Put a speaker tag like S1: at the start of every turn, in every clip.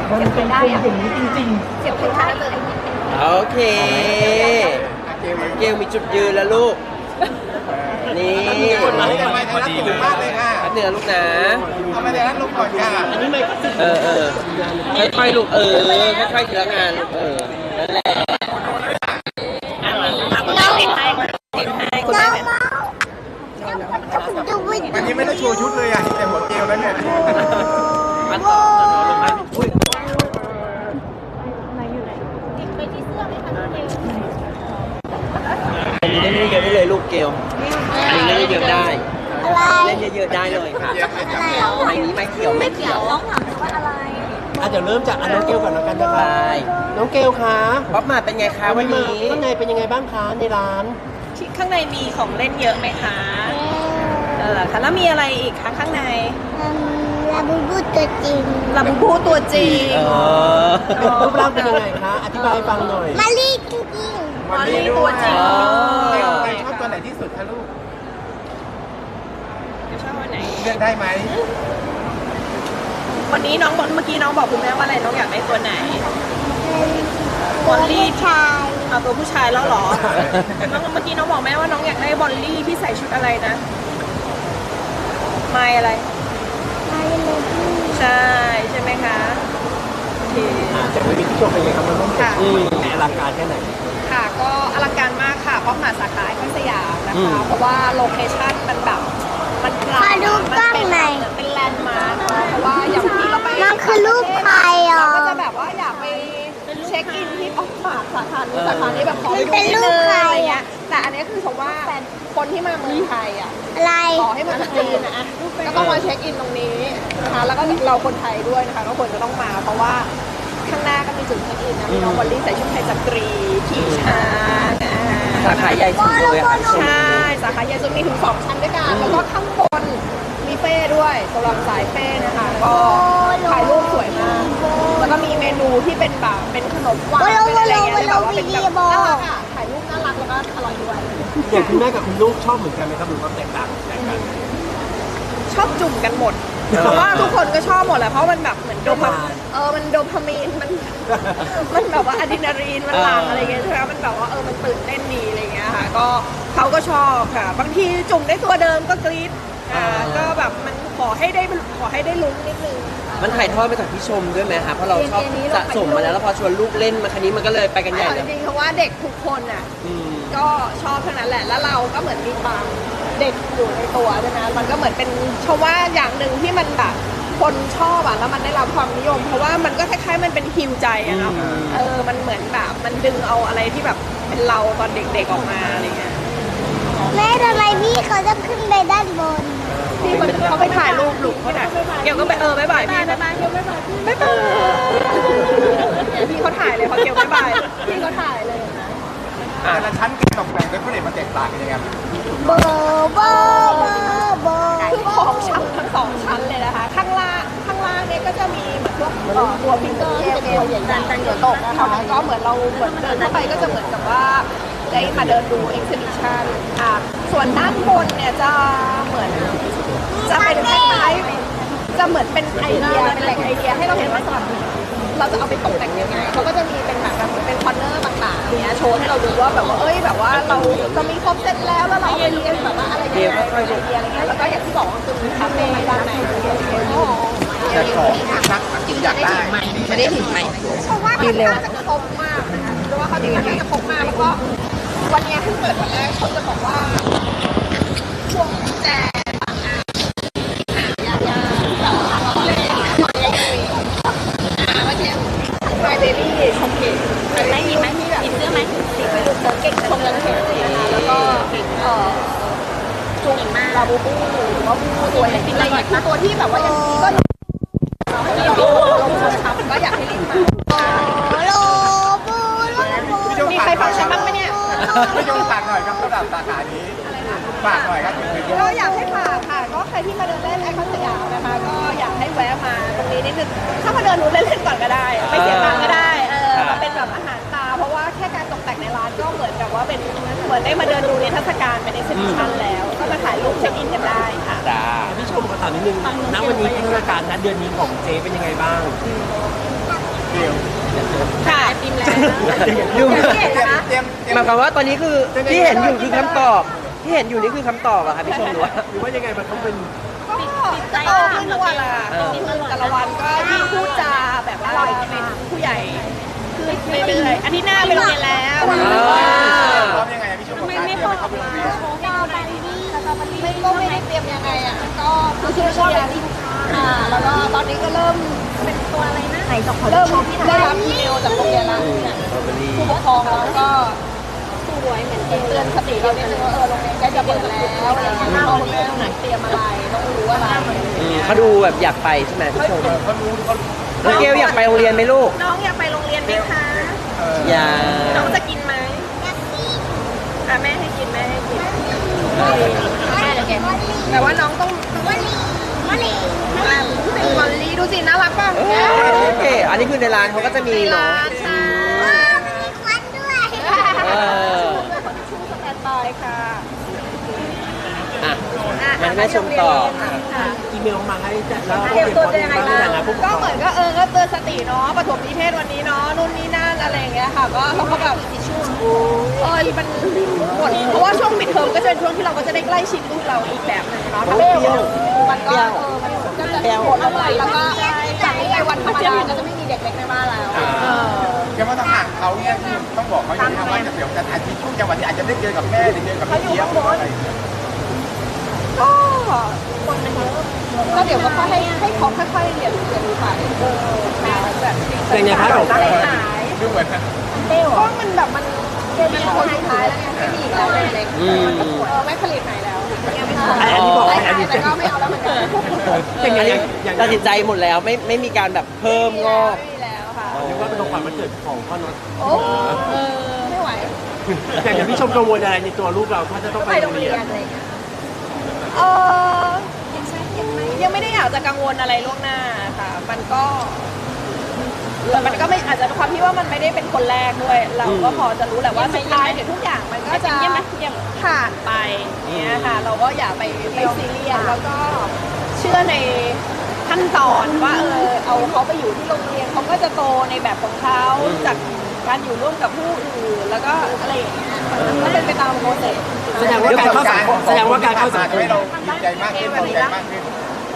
S1: มันเป็นอย่างนี้จริง
S2: เสียบคนท้ายเลย
S3: โอเคเกลมีจุดยืนแล้วลูกนี่
S4: คนมาให้กันไปพอดีเลยมากเลยค่ะ
S3: เหนือลูกนะ
S4: ทำไมเดี๋ยวนั้นลุกก่อนค่ะอันนี้ไม่
S3: ค่อยๆลูกค่อยๆทีละงานลูกนั่นแหละ
S2: เราติดไทยคุณแม่
S4: วันนี้ไม่ได้โชว์ชุดเลยอ่ะแต่หัวเกลียวแล้วเนี่ย
S2: ไปที่เสื้อไหมคะเกล
S3: อันนี้เล่นเยอะได้เลยลูกเกลอันนี้เล่นเยอะได้เล่นเยอะๆได้เลยค่ะไม้นี้ไม้เขียวไม่เขียว
S2: น้องถามว่าอะไร
S1: เดี๋ยวเริ่มจากน้องเกลก่อนแล้วกันนะคะ
S3: ได้
S1: น้องเกลคะ
S3: ป๊อปมาเป็นไงคะวันนี้
S1: ข้างในเป็นยังไงบ้างคะในร้าน
S5: ข้างในมีของเล่นเยอะไหมคะค่ะแล้วมีอะไรอีกคะข้างใน
S2: ลาบูบูตัวจริง
S5: ลาบูบูตัวจริง
S1: รูปร่างเป็นยังไงคะอธิบายให้ฟังหน่อย
S2: มาลีจริง
S5: มอลลี่ตัวจริง
S4: ชอบตัวไหนที่สุดคะลูก
S5: ชอบอันไหน
S4: เลือกได้ไหม
S5: วันนี้น้องบอกเมื่อกี้น้องบอกคุณแม่ว่าอะไรน้องอยากได้ตัวไหนบอลลี่
S2: ชาย
S5: เอาตัวผู้ชายแล้วเหรอน้องเมื่อกี้น้องบอกแม่ว่าน้องอยากได้บอลลี่ที่ใส่ชุดอะไรนะไม่อะไร
S2: มาลีเลย
S5: ใช่ไหมคะโอเค
S1: จากวิธีที่ชมเป็นยังไงครับมันต้อง
S5: ค่ะ
S1: แหมอลังการแค่ไหน
S5: ค่ะก็อลังการมากค่ะเพราะมาสาขาไอคอนสยามนะคะเพราะว่าโลเคชั่นมันแบบมันกลางมันเป็นแลนด์มาร์คเพราะว่าอย่างที่เราไป
S2: มันคือรูปใครอ่ะ
S5: เราก็จะแบบว่าอยากไปเช็คอินที่ออฟมาร์คสาขานี้แบบขอไปดู
S2: มันเป็น
S5: นิด
S2: รู
S5: นึ
S2: ป
S5: ง
S2: ใคร
S5: อะไร
S2: อ่ะ
S5: เงี้ยแต่อันนี้คือชมว่าคนที่มาเมืองไทยอ่ะ
S2: อะไร
S5: ต่อให้มาจากจีนนะก็ต้องมาเช็คอินตรงนี้นะคะแล้วก็เราคนไทยด้วยนะคะก็ควรจะต้องมา เพราะว่าข้างหน้าก็มีจุดเช็คอินนะมีน้องวอลลี่ใส่ชุดไทยสตรีขี่ช้าง
S3: สาขาใหญ่สุดเลยค่ะ
S5: ใช่สาขาใหญ่สุดมีถึง2ชั้นด้วยกันแล้วก็ข้างบนมีเป้ด้วยสำหรับสายเป้นะคะก็ถ่ายรูปสวยมากแล้วก็มีเมนูที่เป็นแบบเป็นขนมหวานเป็นอะไรเงี้ยแบบว่าเป็นแบบน่ารักอ่ะถ่ายรูปน่ารักแล้วก็อร่อยด้วย
S1: อย่างคุณแม่กับคุณลูกชอบเหมือนกันไหมครับหรือว่าแตกต่างกัน
S5: ชอบจุ่มกันหมดเพราะว่าทุกคนก็ชอบหมดแหละเพราะมันแบบเหมือนโดพามันโดพามีนมันแบบว่าอะดรีนาลีนมันหลั่งอะไรเงี้ยใช่ไหมมันแบบว่ามันตื่นเต้นดีอะไรเงี้ยค่ะก็เขาก็ชอบค่ะบางทีจุ่มได้ตัวเดิมก็กรี๊ดก็แบบมันขอให้ได้ลุ้นนิดนึง
S3: มันถ่ายทอดมาจากพี่ชมด้วยไหมคะเพราะเราชอบสะสมมาแล้วพอชวนลูกเล่นมาคันนี้มันก็เลยไปกันใหญ่เลย
S5: จริงๆเพราะว่าเด็กทุกคนอ่ะก็ชอบทั้งนั้นแหละแล้วเราก็เหมือนมีความเด็กอยู่ในตัวใช่ไหมมันก็เหมือนเป็นชมว่าอย่างหนึ่งที่มันแบบคนชอบอ่ะแล้วมันได้รับความนิยม เพราะว่ามันก็คล้ายๆมันเป็นฮิวใจอะเนาะมันเหมือนแบบมันดึงเอาอะไรที่แบบเป็นเราตอนเด็กๆออกมาอะไรเงี้ย
S2: แม่ทำไมพี่เขาจะขึ้นไปด้านบน
S5: พี่เขาไปถ่ายรูปหลุมเขาถ่ายเกี่ยวก็ไปบ๊ายบายพี่บ๊ายบายเกี่ยวบ๊ายบายบ๊ายบายพี่เขาถ่ายเลยพอเกี่ยวบ๊ายบายพี่เขาถ่ายเลยนะ
S4: แต่ละชั้นการตกแต่งด้วยผลิตมันแตกต่างกันยังไง
S2: โบโบโบโบ
S5: คือของชั้นทั้งสองชั้นเลยนะคะข้างล่างเนี่ยก็จะมีเหมือนพวกตัวฟิงเกอร์เกลใหญ่ๆเหนือตกนะคะก็เหมือนเราเหมือนเดินเข้าไปก็จะเหมือนกับว่าได้มาเดินดูเอ็กซิบิชันส่วนด้านบนเนี่ยจะเหมือนจะเป็นคล้ายๆจะเหมือนเป็นไอเดียเป็นแหล่งไอเดียให้เราเห็นว่าสำหรับเราจะเอาไปตกแต่งยังไงเขาก็จะมีเป็นแบบเป็นคอนเนอร์ต่างๆเนี้ยโชว์ให้เราดูว่าแบบว่าแบบว่าเราจะมีครบเซตแล้วแล้วเราไปเรียนแบบว่าอะไรยังไงไอเดียอะไรเงี้ยแล้วก็อย่างที่บอกว่าคือมีคาเฟ่ด้านใน
S4: แต่ของชักกินอยากได้
S5: ไม่ได้ถึงไหมเพราะว่ามันน่าจะครบมากนะคะเพราะว่าเขาถึงน่าจะครบมากแล้วก็วันนี้เพิ่งเปิดวันแรกเขาจะบอกว่าพวงกุญแจMy Baby ชมเก่งได้ยินไหมมีแบบเสื้อไหมติดไปดูเธอเก่งชมกันเก่งนะคะแล้วก็จุงลาบูบูหรือว่าบูตัวอะไรที่อะไรคือตัวที่แบบว่ายังก็เราช้ำก็อยากให้รีบมา
S2: โลบูโลบู
S5: มีใครฟังฉันบ้างไหมเนี่ย
S4: ไม่ยอมฝากหน่อยครับสำหรับสาขานี้ฝากหน่อยครับ
S5: ก็อยากให้ฝากค่ะก็ใครที่มาเดินเล่นไอคอนสยามนะคะก็อยากให้แวะมาตรงนี้นิดนึงถ้ามาเดินดูเล่นๆก่อนก็ได้ไม่เสียตังค์ก็ได้มาเป็นแบบอาหารตาเพราะว่าแค่การตกแต่งในร้านก็เหมือนกับว่าเป็นเหมือนได้มาเดินดูนิทรรศการเป็นเอ็กซิบิชันแล้วก็มาถ่ายรูปเช็คอินกันได้ค่ะ
S1: พี่ชมขอถามนิดนึงณวันนี้พัฒนาการณเดือนนี้ของเจเป็นยังไงบ้าง
S3: ดู
S4: เตรียม
S3: หมายความว่าตอนนี้คือที่เห็นอยู่คือคำตอบที่เห็นอยู่นี่คือคำตอบอะค่ะพี่ชมหรือว่า
S1: หรือว่ายังไงมันต้องเป็น
S5: ก็โตขึ้นทุกวันละโตขึ้นแต่ละวันก็ยิ่งพูดจาแบบว่าเป็นผู้ใหญ่ขึ้นเรื่อยๆอันนี้หน้าไปโรงเรียนแล้ว
S4: พร้อมยังไงพี่ชมกับการเตรียมไปเข้าโรงเรียน
S5: ไม่ได้เตรียมยังไงอ่ะก็คือเรียนแล้วก็ตอนนี้ก็เริ่มเป็นตัวอะไรนะเริ่มได้รับอีเมลจากโรงเรียนแล้วผู้ปกครองแล้วก็เตือนสติเรานิดนึงว่าโรงเรียนใกล้จะเปิดแล้วอะไรอย่างเงี้ยเราเตรียมอะไรต้องรู้อะไร
S3: เขาดูแบบอยากไปใช่ไหมพี่ชม
S4: เขารู้เขา
S3: น้องเกลอยากไปโรงเรียนไหมลูก
S5: น้องอยากไปโรงเรียนไหมคะ
S3: อยาก
S5: น้องจะกินไหมแม่ให้กินแม่ให้กินแต่ว่าน้องต้องเป็นมอลลี่ดูสิน่ารักป่ะ
S3: โอเคอันนี้คือในร้านเขาก็จะมี
S5: ใน
S3: เนาะ
S5: ร้านใช่
S3: เออ
S5: ชูสแตนบายค่ะ
S3: อ่ะมาให้แม่ชมต่อ
S1: อีเมลมาให้จัดแล้ว
S5: เตรียมตัวจะยังไง
S1: บ้า
S5: ล่ะ
S1: นะผู้ปก
S5: ก็
S1: ครอง
S5: เหมือนก็ก็เตือนสติเนาะปฐมนิเทศวันนี้เนาะนู่นนี่นั่นอะไรอย่างเงี้ยค่ะก็เขาก็แบบมันหมดเพราะว่าช่วงปิดเทอมก็จะเป็นช่วงที่เราก็จะได้ใกล้ชิดลูกเราอีกแบบหนึงเนาะถ้าไม่มันก็มันก็จะโหดอะไรแล้วก็จากนี้ไปวันธรรมดาก็จะไม่มีเด็กเล็กในบ้านแล้ว
S4: แกว่าต้องห่างเขาเนี่ยที่ต้องบอกเขาอย่างนี้ว่าจะเดี๋ยวจะอาจจะช่วงจังหวะที่อาจจะได้เจอกับแม่หรือเจอกับพี่เจี๊ยบหรืออะไร
S5: ก็คนมันเยอะก็เดี๋ยวก็ให้เขาค่อยๆเรียนรู้ไปแบบ
S1: แต่ในพาร์ทของ
S5: หาย
S4: ดูเหมือน
S5: ก็มันแบบมันเป็นคนสุดท้ายแล้วไงไม่มีอีกแล้วเล็กไม่ผลิตไหนแล้ว
S1: อันนี้บอกอันนี้
S5: แต่ก็ไม่เอาแล้วเหมือนกัน
S1: อย่างนี้อย่าง
S3: ตัดสินใจหมดแล้วไม่มีการแบบเพิ่มงอก
S5: ไม่แล้วค่ะ
S1: เรียกว่าเป็นของขวัญวันเกิดของพ่อน็อต
S5: โอ้ไม่ไหว
S1: อย่างพี่ชมกังวลอะไรในตัวลูกเราถ้าจะต้องไป
S5: ไป
S1: โร
S5: โรง ง
S1: เรี
S5: เรี
S1: ย
S5: ย
S1: น
S5: นอะไรอย่างเงี้ยยังไม่ได้อยากจะกังวลอะไรล่วงหน้าค่ะ มันก็ไม่อาจจะความที่ว่ามันไม่ได้เป็นคนแรกด้วย เราก็พอจะรู้แหละว่าสุดท้ายเดี๋ยวทุกอย่างมันก็จะผ่านไปเนี้ยค่ะ เราก็อย่าไปซีเรียสแล้วก็เชื่อในขั้นตอนว่าเอาเขาไปอยู่ที่โรงเรียนเขาก็จะโตในแบบของเขาจากการอยู่ร่วมกับผู้อื่นแล้วก็อะไรอย่างเงี้ยมันก็เป็นไปตามโปรเซส
S1: แสดงว่าการเข้าสังคมแสดงว่าการเข้าสังคม
S4: ให้เราดีใจมากขึ้นพอใจมากขึ้น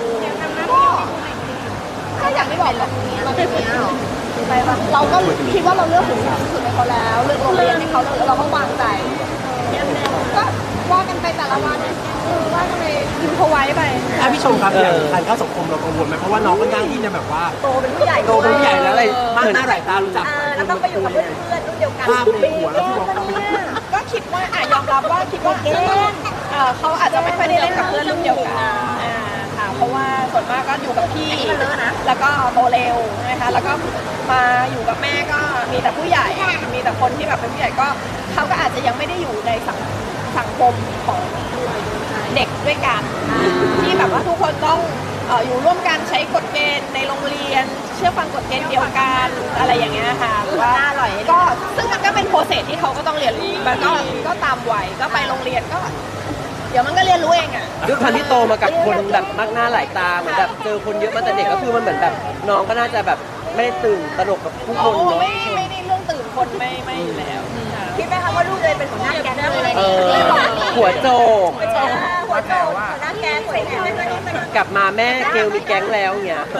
S5: ก็อย่างที่บอกแบบนี้เราเป็นเราก็คิดว่าเราเลือกถึงที่สุดให้เขาแล้วเลือกโรงเรียนให้เขาเราก็วางใจก็ว่ากันไปแต่ละวันว่ากันไปยิมเขาไว้ไป
S1: พี่ชมครับอย่างการเข้าสังคมเรากังวลไหมเพราะว่าน้องก็ย่างที่จะแบบว่า
S5: โตเป็นผู้ใหญ่
S1: โตเป็นผู้ใหญ่แล้วอะไรมากหน้าหลายตารู้จัก
S5: แล้วต้องไปอยู่กับเพื่อนรุ่นเดียวกัน
S1: ภาพในหัวแล้วที่บอกเขา
S5: ก็คิดว่ายอมรับว่าคิดว่าเขาอาจจะไม่ค่อยได้เล่นกับเพื่อนรุ่นเดียวกันค่ะเพราะว่าส่วนมากก็อยู่กับพี่แล้วก็โตเร็วนะคะแล้วก็มาอยู่กับแม่ก็มีแต่ผู้ใหญ่มีแต่คนที่แบบเป็นผู้ใหญ่ก็เขาก็อาจจะยังไม่ได้อยู่ในสังคมของเด็กด้วยกันที่แบบว่าทุกคนต้องอยู่ร่วมกันใช้กฎเกณฑ์ในโรงเรียนเชื่อฟังกฎเกณฑ์เดียวกันอะไรอย่างเงี้ยค่ะว่าก็ซึ่งมันก็เป็นโปรเซสที่เขาก็ต้องเรียนรู้มันก็ตามวัยก็ไปโรงเรียนก็ เดี๋ยวมันก็เรียนรู้เองอ่ะ
S3: ด้วยความที่โตมากับคนแบบมากหน้าหลายตาเหมือนแบบเจอคนเยอะมาแต่เด็กก็คือมันเหมือนแบบน้องก็น่าจะแบบไม่ได้ตื่นตระหนกกับผู้คนเนาะ
S5: ไม่ได้เรื่องตื่นคนไม่อยู่แล้วคิดไหมคะว่าลูกเลยเป็นหัวหน้าแก๊งเลย
S3: หัวโจก
S5: หัวโตหัวหน้าแก๊งใส่แถว
S3: กลับมาแม่เกลมีแก๊งแล้วเงี้ย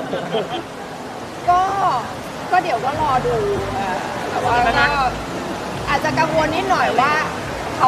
S5: ก็เดี๋ยวก็รอดูแต่ว่าก็อาจจะกังวลนิดหน่อยว่าเขา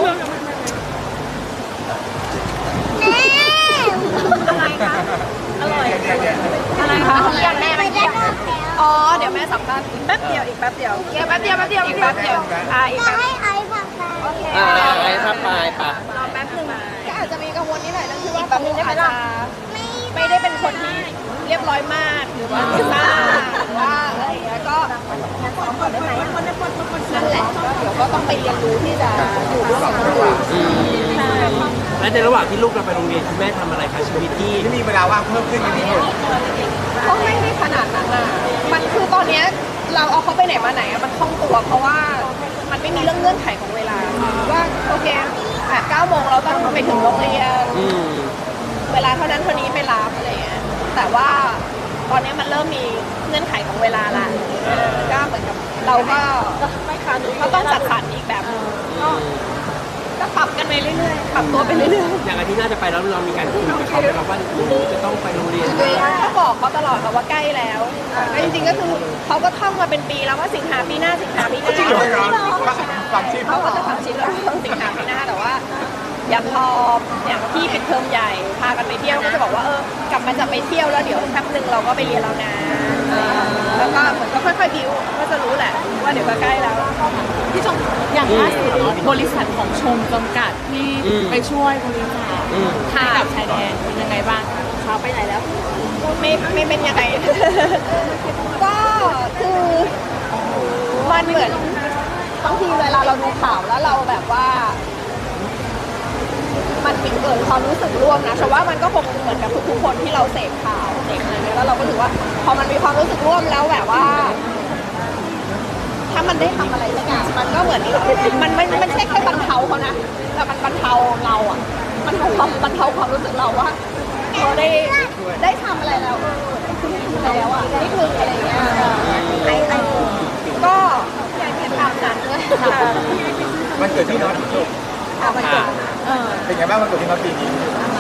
S5: อะไรคะอร่อยอะไรคะอยากแม่ไปเที่ยวอ๋อเดี๋ยวแม่สัมภาษณ์อีกแป๊บเดียวอีกแป๊บเดียวอีกแป๊บเดียวอีกแป๊บเดียวอีก
S2: จะ
S5: แป๊บ
S2: ให้ไอ้ผักไป
S3: ไอ้ถ้าไปปะ
S5: รอแป๊บนึงก็อาจจะมีกังวลนิดหน่อยเรื่องที่ว่าเขาอาจจะไม่ได้เป็นคนที่เรียบร้อยมากหรือว่าซ่าหรือว่าอะไรอย่างเงี้ยก็นั่นแหละก็เดี๋ยวก็ต้องไปเรียนรู้ที่จะอยู่ร่วมกับคนอื่นใช่
S1: และในระหว่างที่ลูกเราไปโรงเรียนคุณแม่ทำอะไรคะชีวิตที่
S4: ที่มีเวลาว่างเพิ่มขึ้นอย่างนี้
S5: ก็ไม่ได้ขนาดนั้นอ่ะมันคือตอนเนี้ยเราเอาเขาไปไหนมาไหนอะมันคล่องตัวเพราะว่ามันไม่มีเรื่องเงื่อนไขของเวลาว่าโอเค9 โมงเราต้องไปถึงโรงเรียนเวลาเท่านั้นเท่านี้ไปรับอะไรเงี้ยแต่ว่าตอนนี้มันเริ่มมีเงื่อนไขของเวลาละก็เหมือนกับเราก็ต้องจัดสรรอีกแบบนึงก็ปรับกันไปเรื่อยๆปรับตัวไปเรื่อยๆ
S1: อย่างอาทิตย์หน้าจะไปแล้วเรามีการคุยกับเขาไหมครับว่าจะต้องไปโรงเรียน
S5: ก็บอกเขาตลอดค่ะว่าใกล้แล้วก็จริงๆก็คือเขาก็ท่องมาเป็นปีแล้วว่าสิงหาปีหน้าสิงหาปีหน้า
S4: จริงเหรอฟังชิป
S5: เขาก็จะฟังชิปแล้วสิงหาปีหน้าแต่ว่าอย่างพออย่างที่ปิดเทอมใหญ่พากันไปเที่ยวก็จะบอกว่ากลับมาจะไปเที่ยวแล้วเดี๋ยวแป๊บนึงเราก็ไปเรียนแล้วนะแล้วก็เหมือนก็ค่อยๆบิวก็จะรู้แหละว่าเดี๋ยวก็ใกล้แล้ว
S6: พี่ชมอย่างล่าสุดเนาะบริษัทของชมจำกัดที่ไปช่วยบริจาคให้กับชายแดนเป็นยังไงบ้างคะเขาไปไหนแล้ว
S5: ไม่เป็นยังไง ก็คือมันเหมือนบางทีเวลาเราดูข่าวแล้วเราแบบว่ามันเกิดความรู้สึกร่วมนะฉันว่ามันก็คงเหมือนกับทุกๆคนที่เราเสพข่าวเสพอะไรเงี้ยแล้วเราก็ถือว่าพอมันมีความรู้สึกร่วมแล้วแบบว่า ถ้ามันได้ทำอะไรสักอย่างมันก็เหมือนมันไม่ใช่แค่บรรเทาเขานะแต่มันบรรเทาเราอ่ะมันบรรเทาความรู้สึกเราว่าเราได้ทำอะไรแล้วแล้วอ่ะนิดนึงอะไรเงี้ยก็อยากเห็นตามนั้นด้วยค่ะ
S4: มันเกิดที่น้องจบ
S5: มันเกิด
S4: เป็นไงบ้างมันเกิดที่น้องปีนี้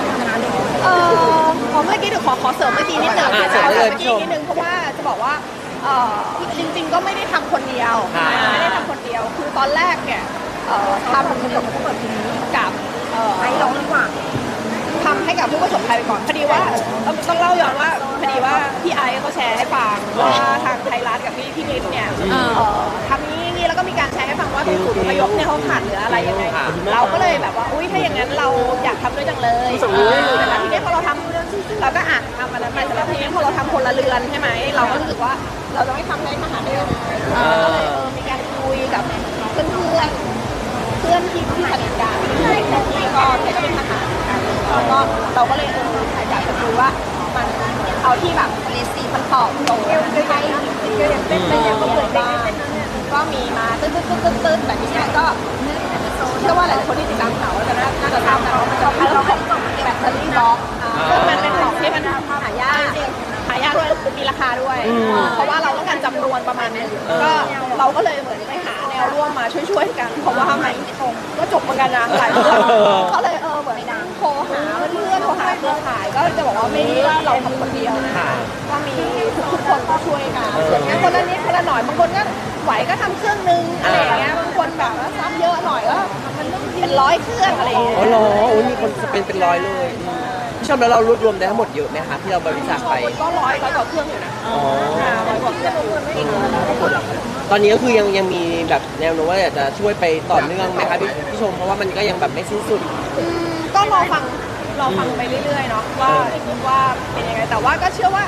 S5: พอเมื่อกี้เดี๋ยวขอเสริมเมื่อกี้นิดนึงเพราะว่าจะบอกว่าจริงๆก็ไม่ได้ทำคนเดียวไม่ได้ทำคนเดียวคือตอนแรกเนี่ยทำกับไอ้ร้องดีกว่าทำให้กับผู้ประสบภัยไปก่อนพอดีว่าต้องเล่าย้อนว่าพอดีว่าพี่ไอซ์เขาแชร์ให้ฟังว่าทางไทยรัฐกับพี่ลิศเนี่ยทำนี้แล้วก็มีการแชร์ให้ฟังว่าศูนย์อพยพเนี่ยเขาขาดเหลืออะไรยังไงเราก็เลยแบบว่าอุ้ยถ้าอย่างนั้นเราอยากทำด้วยจังเลยแต่แล้วทีนี้พอเราทำเราก็ทำอะไรไปแต่แล้วทีนี้พอเราทำคนละเรือนใช่ไหมเราก็รู้สึกว่าเราจะไม่ทำให้ทหารได้ยังไงก็เลยมีการคุยกับเพื่อนที่สนิทกันที่ก็เป็นทหารกันแล้วก็เราก็เลยอยากจะดูว่ามันเอาที่แบบมันตอบโจทย์ให้เป็นอย่างก็เหมือนบ้างก็มีมาตึ๊ดแต่ทีนี้ก็เชื่อว่าหลายคนที่ติดตามข่าวจะน่าจะทราบนะว่ามันจะเป็นเรื่องของแบตเตอรี่บล็อกซึ่งมันเป็นของที่มันหายากด้วยมีราคาด้วยเพราะว่าเราต้องการจำนวนประมาณนึงก็เราก็เลยเหมือนไปหาแนวร่วมมาช่วยกันเพราะว่ามันก็จบเหมือนกันนะหลายเรื่องก็เลยเหมือนโทรหาเพื่อนโทรหาเครือข่ายก็จะบอกว่าไม่ได้ว่าเราทำคนเดียวนะก็มีทุกคนก็ช่วยกันงั้นคนละนิดคนละหน่อยบางคนก็ไหวก็ทำเครื่องนึงอะไรอย่างเงี้ยบางคนแบบว่าซ้ำเยอะหน่อยก็เป็น100 เครื่องอะไรอย่างเงี้ย
S3: อ๋อเหรอโอ้ยมีคนเป็นร้อยเลยพี่ชมแล้วเรารวบรวมได้ทั้งหมดเยอะไหมคะที่เราบริจาคไป
S5: ก็ร้อยกว่าเครื่องอยู่นะ100 กว่าเครื่อง
S3: ตอนนี้ก็คือยังมีแบบแนวโน้มว่าอยากจะช่วยไปต่อเนื่องไหมคะพี่ชมเพราะว่ามันก็ยังแบบไม่สิ้นสุด
S5: ก็รอฟังไปเรื่อยๆเนาะว่าเป็นยังไงแต่ว่าก็เชื่อว่า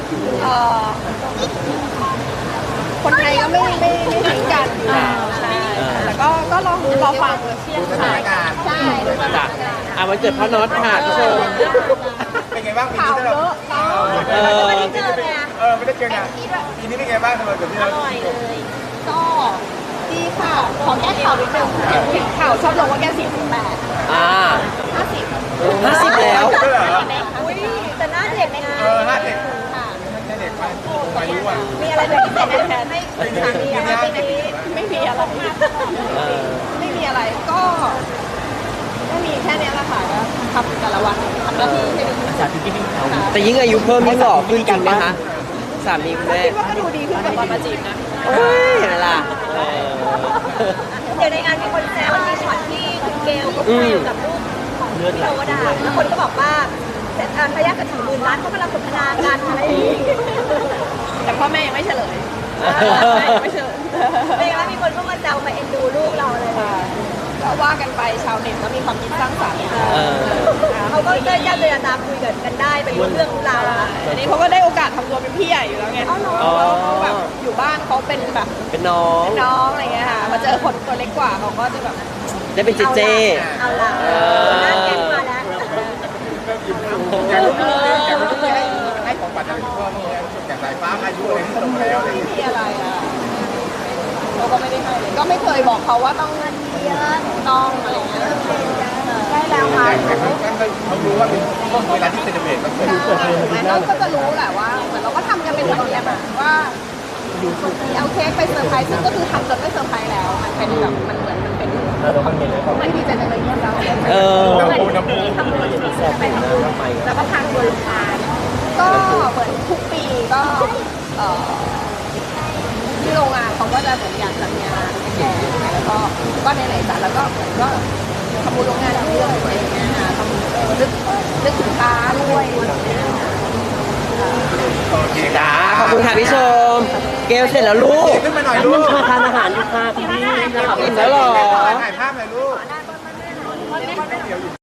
S5: คนไทยก็ไม่ทิ้งกันใช่แต่ก็รอฟัง
S4: ดูสถานการณ์
S5: ใช่ดูสถานการณ์
S3: วันเกิดพ่อน็อตค่ะพี่ชม
S4: เป็นไงบ้างปีนี้เราไม่ได้เจอไงปีนี้เป็นไงบ้างสำหรับกับพี่เรา
S5: ก็ดีค่ะขอแก้ข่าวนิดนึงข่าวชอบลงว่าแก้48 50
S3: แล้ว
S5: อุ้ยแต่หน้าเด็กนะ
S4: หน้าเด็กเด็กมาอายุ
S5: มีอะไรเป็นพิเศษแทนไม่มีอะไรไม่มีอะไรก็มีแค่นี้แหละค่ะก็ทำแต่ละวันทำหน้าที่ให้ดี
S3: แต่ยิ่งอายุเพิ่มยิ่งหล่อขึ้นจริงไหมคะสามีคุณแม่
S5: คิดว่าก็ดูดีขึ้นกว่าตอนมาจีบนะ
S3: เห็นไหมล่ะ
S5: เดี๋ยวในงานมีคนแซวมีช็อตที่คุณเกลก็คุยกับลูกของพี่โรดาแล้วคนก็บอกว่าพยากับ40,000 ล้านเขากำลังสนทนากันอะไรแต่พ่อแม่ยังไม่เฉลยไม่เฉลยเป็นว่ามีคนก็มาแซวมาเอ็นดูลูกเราเลยก็ว่ากันไปชาวเน็ตก็มีความคิดสร้างสรรค์เขาก็ได้ญาติตามคุยกันได้ไปรู้เรื่องราวอันนี้เขาก็ได้โอกาสทำตัวเป็นพี่ใหญ่อยู่แล้วไงเขาแบบอยู่บ้านเขาเป็นแบบ
S3: เป็นน้อง
S5: อะไรเงี้ยค่ะมาเจอคนตัวเล็กกว่าเขาก็จะแบบ
S3: ได้เป็นเจ
S5: เอาละน่าแก่มาแล้ว
S4: ให้ของปัจจัยพ่อแม่อย่างสายฟ้าอายุอะไรที่ตรงแล้วอะไร
S5: ที่อะไรเราก็ไม่ได้ให้เลยก็ไม่เคยบอกเขาว่าต้องเงินเยอะต้องอะไรเงี้ยได้แล้วค่ะ
S4: เขารู้ว่าเป็นช่วงเวลาที่เซเลบเรตก็คือ
S5: เขาก็จะรู้แหละว่าเหมือนเราก็ทำกันเป็นระเบียบว่าเอาเค้กไปเซอร์ไพรส์ซึ่งก็คือทำจนไม่เซอร์ไพรส์แล้วมันเป็นแบบมันเหมือนมันเป็นมันดีใจจังเลยที่เรา
S3: เออ
S4: น้ำปู
S5: ทำเลยแล้วก็ทางบริการก็เหมือนทุกปีก็ที่โรงงานเขาก็จะเหมือนอยากจัดงานแข่งแล้วก็ในไหนจัดแล้วก็เหมือนก็ทำบุญโรงงานเรื่อยๆอะไรอย่างเงี้ยนะทำนึกถึงตาด้วยอะไรอย่างเงี้ย
S4: โอเคค
S3: จ้า
S4: รับ
S3: ขอบคุณค่ะพี่ชม เกลเสร็จแล้วลูก
S4: ขึ้นมาหน่อยลูก
S1: ทานอาหารอยู่ค่ะพี่นะครับ
S3: อิ่มแล้วเหรอ
S4: ถ่ายภาพหน่อยลูก